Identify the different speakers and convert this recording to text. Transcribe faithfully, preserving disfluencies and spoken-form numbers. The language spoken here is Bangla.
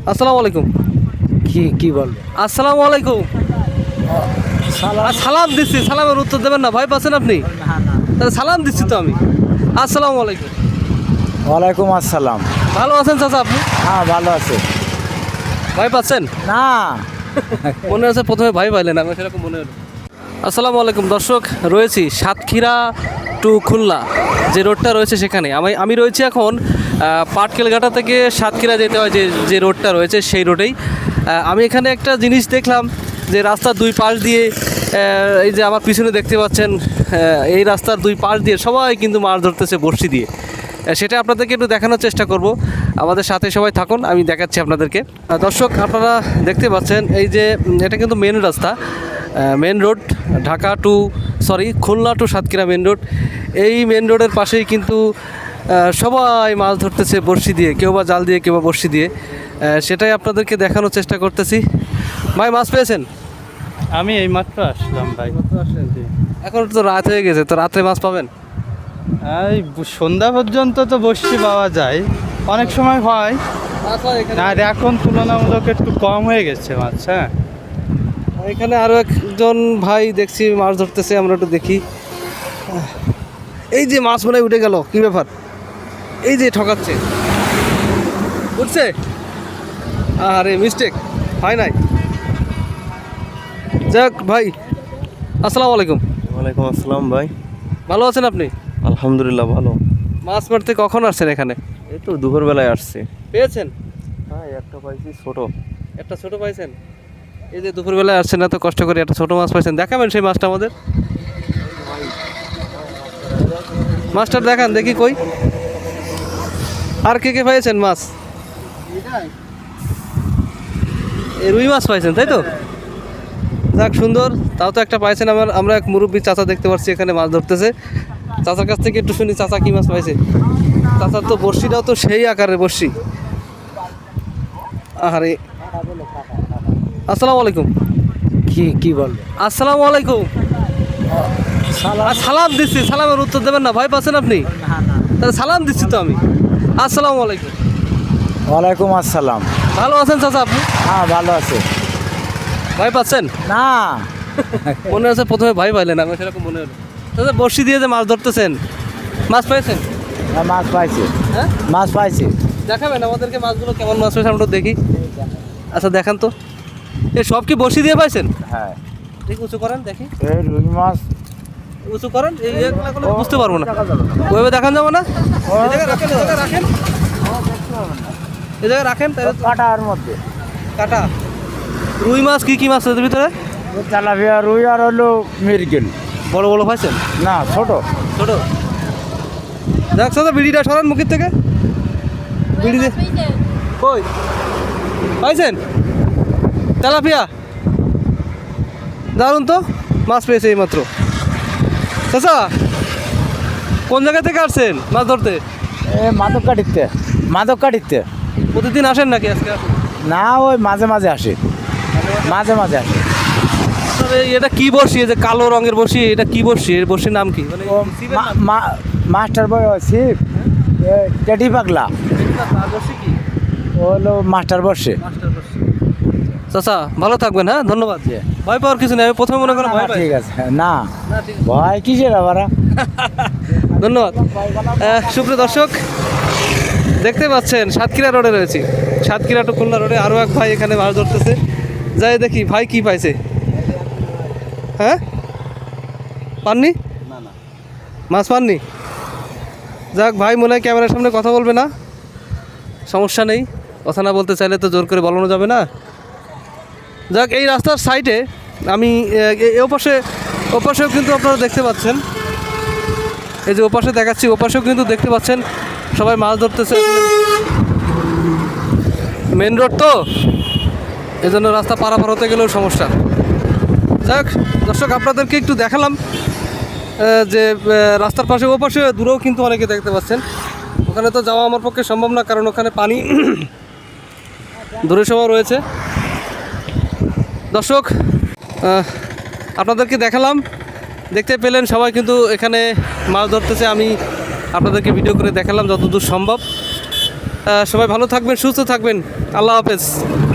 Speaker 1: আসসালামু আলাইকুম।
Speaker 2: কি কি বলবো?
Speaker 1: আসসালামু আলাইকুম। আর সালাম দিচ্ছি, সালামের উত্তর দেবেন না, ভয় পাচ্ছেন আপনি? তাহলে সালাম দিচ্ছি তো আমি। আসসালামু আলাইকুম।
Speaker 2: ওয়ালাইকুম আসসালাম।
Speaker 1: ভালো আছেন চাচা আপনি?
Speaker 2: হ্যাঁ ভালো আছে।
Speaker 1: ভয় পাচ্ছেন?
Speaker 2: না
Speaker 1: মনে হচ্ছে প্রথমে ভয় পাইলেন, আমার সেরকম মনে হলো। আসসালামু আলাইকুম দর্শক, রয়েছি সাতক্ষীরা টু খুলনা যে রোডটা রয়েছে সেখানে। আমি আমি রয়েছি এখন পাটকেলঘাটা থেকে সাতক্ষীরা যেতে হয় যে যে রোডটা রয়েছে সেই রোডেই। আমি এখানে একটা জিনিস দেখলাম যে রাস্তার দুই পাশ দিয়ে, এই যে আমার পিছনে দেখতে পাচ্ছেন, এই রাস্তার দুই পাশ দিয়ে সবাই কিন্তু মাছ ধরতেছে বড়শি দিয়ে। সেটা আপনাদেরকে একটু দেখানোর চেষ্টা করব, আমাদের সাথে সবাই থাকুন, আমি দেখাচ্ছি আপনাদেরকে। দর্শক আপনারা দেখতে পাচ্ছেন এই যে এটা কিন্তু মেন রাস্তা, main road, Dhaka to sorry Khulna to Satkhira main road. এই মেন রোডের পাশেই কিন্তু সবাই মাছ ধরতেছে বড়শি দিয়ে, কেউ বা জাল দিয়ে, কেউ বা বড়শি দিয়ে। সেটাই আপনাদেরকে দেখানোর চেষ্টা করতেছি। ভাই মাছ পেয়েছেন?
Speaker 3: আমি এই মাত্র আসলাম ভাই।
Speaker 1: এখন তো রাত হয়ে গেছে, তো রাত্রে মাছ পাবেন?
Speaker 3: এই সন্ধ্যা পর্যন্ত তো বসছি পাওয়া যায়, অনেক সময় হয় না, এখন তুলনামূলক একটু কম হয়ে গেছে মাছ। হ্যাঁ,
Speaker 1: এখানে আরও একজন ভাই দেখছি মাছ ধরতেছে, আমরা একটু দেখি। এই যে মাছ মনে হয় উঠে গেল, কি ব্যাপার? এই যে ঠকাচ্ছে, উঠছে, আরে মিস্টেক হয় নাই। যাক ভাই, আসসালামু আলাইকুম।
Speaker 4: ওয়ালাইকুম আসসালাম ভাই।
Speaker 1: ভালো আছেন আপনি?
Speaker 4: আলহামদুলিল্লাহ ভালো।
Speaker 1: মাছ মারতে কখন আসছেন এখানে?
Speaker 4: এই তো দুপুরবেলায় আসছে।
Speaker 1: পেয়েছেন?
Speaker 4: হ্যাঁ একটা পাইছি ছোট।
Speaker 1: একটা ছোট পাইছেন? এই যে দুপুরবেলায় আসছেন এত কষ্ট করে, একটা ছোট মাছ পাইছেন, দেখাবেন সেই মাছটা আমাদের? মাছটা দেখান দেখি কই। আর কে কে পাইছেন মাছ? এই রুই মাছ পাইছেন তাই তো? যাক সুন্দর, তাও তো একটা পাইছেন। আমার আমরা এক মুরব্বী চাচা দেখতে পাচ্ছি এখানে মাছ ধরতেছে। চাচার কাছ থেকে একটু শুনি, চাচা কি মাছ পাইছে? চাচার তো বড়শিটাও তো সেই আকারের বড়শি। আরে আসসালামু আলাইকুম।
Speaker 2: কি কি বলবো?
Speaker 1: আসসালামু আলাইকুম। আর সালাম দিচ্ছি, সালামের উত্তর দেবেন না, ভয় পাচ্ছেন আপনি? তাহলে সালাম দিচ্ছি তো আমি। আসসালামু আলাইকুম।
Speaker 2: ওয়ালাইকুম আসসালাম।
Speaker 1: ভালো আছেন চাচা আপনি?
Speaker 2: হ্যাঁ ভালো আছে।
Speaker 1: ভয় পাচ্ছেন?
Speaker 2: না
Speaker 1: মনে হচ্ছে প্রথমে ভয় পাইলেন, আমার সেরকম মনে হলো। চাচা বড়শি দিয়ে যে মাছ ধরতেছেন, মাছ পেয়েছেন?
Speaker 2: হ্যাঁ, মাছ পাইছি।
Speaker 1: হ্যাঁ
Speaker 2: মাছ পাইছি।
Speaker 1: দেখাবেন আমাদেরকে মাছগুলো কেমন মাছ পেয়েছে, আমরা দেখি। আচ্ছা দেখান তো, এ সব কি বড়শি দিয়ে পাইছেন?
Speaker 2: হ্যাঁ
Speaker 1: দেখি উঁচু করেন দেখি,
Speaker 2: এই রুই মাছ।
Speaker 1: উঁচু করেন, এই এগুলো বুঝতে পারবো না, ওইভাবে দেখান যাবো না। এই জায়গায় রাখেন, এই জায়গায় রাখেন, এই জায়গায় রাখেন। তাহলে
Speaker 2: কাটার মধ্যে
Speaker 1: কাটা রুই মাছ, কি কি মাছ এর ভিতরে?
Speaker 2: তেলাপিয়া, রুই আর হলো মিরগেল।
Speaker 1: বড় বড় পাইছেন
Speaker 2: না ছোট
Speaker 1: ছোট? দেখছো তো, বিড়িটা সরান মুখের থেকে, বিড়ি দিয়ে কই পাইছেন? তেলাপিয়া, দারুন তো, মাছ পেয়েছে এই মাত্র। চাচা কোন জায়গা থেকে আসছেন মাছ ধরতে?
Speaker 2: এ মাদক কাটিতে, মাদক কাটিতে।
Speaker 1: প্রতিদিন আসেন নাকি আজকে আসেন?
Speaker 2: না ওই মাঝে মাঝে আসে, মাঝে মাঝে আসে।
Speaker 1: তবে এটা কি বড়শি, এই যে কালো রঙের বড়শি, এটা কি বড়শি? এর বড়শির নাম কি? মানে
Speaker 2: ও মা- মা- মাস্টার বয় ছিপ, টেটি পাগলা,
Speaker 1: কি
Speaker 2: ও হলো মাস্টার বসে।
Speaker 1: চাচা ভালো থাকবেন, হ্যাঁ ধন্যবাদ। ভয় পাওয়ার কিছু নেই, আমি প্রথমে মনে করেন ভয় পাই।
Speaker 2: ঠিক আছে, না ভয় কিসের আবার।
Speaker 1: ধন্যবাদ। আহ, সুপ্রিয় দর্শক দেখতে পাচ্ছেন সাতক্ষীরা রোডে রয়েছি, সাতক্ষীরা টু খুলনা রোডে আরও এক ভাই এখানে মাছ ধরতেছে। যাই দেখি ভাই কি পাইছে। হ্যাঁ পাননি? মাছ পাননি? যাক ভাই মনে হয় ক্যামেরার সামনে কথা বলবে না, সমস্যা নেই, কথা না বলতে চাইলে তো জোর করে বলানো যাবে না। যাক এই রাস্তার সাইডে আমি এ ওপাশে, ওপাশেও কিন্তু আপনারা দেখতে পাচ্ছেন, এই যে ওপাশে দেখাচ্ছি, ওপাশেও কিন্তু দেখতে পাচ্ছেন সবাই মাছ ধরতেছে। মেন রোড তো, এই জন্য রাস্তা পারাপার হতে গেলেও সমস্যা। যাক দর্শক আপনাদেরকে একটু দেখালাম যে রাস্তার পাশে, ওপাশে দূরেও কিন্তু অনেকে দেখতে পাচ্ছেন। ওখানে তো যাওয়া আমার পক্ষে সম্ভব না, কারণ ওখানে পানি দূরে সবাই রয়েছে। দর্শক আপনাদেরকে দেখালাম, দেখতে পেলেন সবাই কিন্তু এখানে মাছ ধরতেছে। আমি আপনাদেরকে ভিডিও করে দেখালাম যতদূর সম্ভব। সবাই ভালো থাকবেন, সুস্থ থাকবেন। আল্লাহ হাফেজ।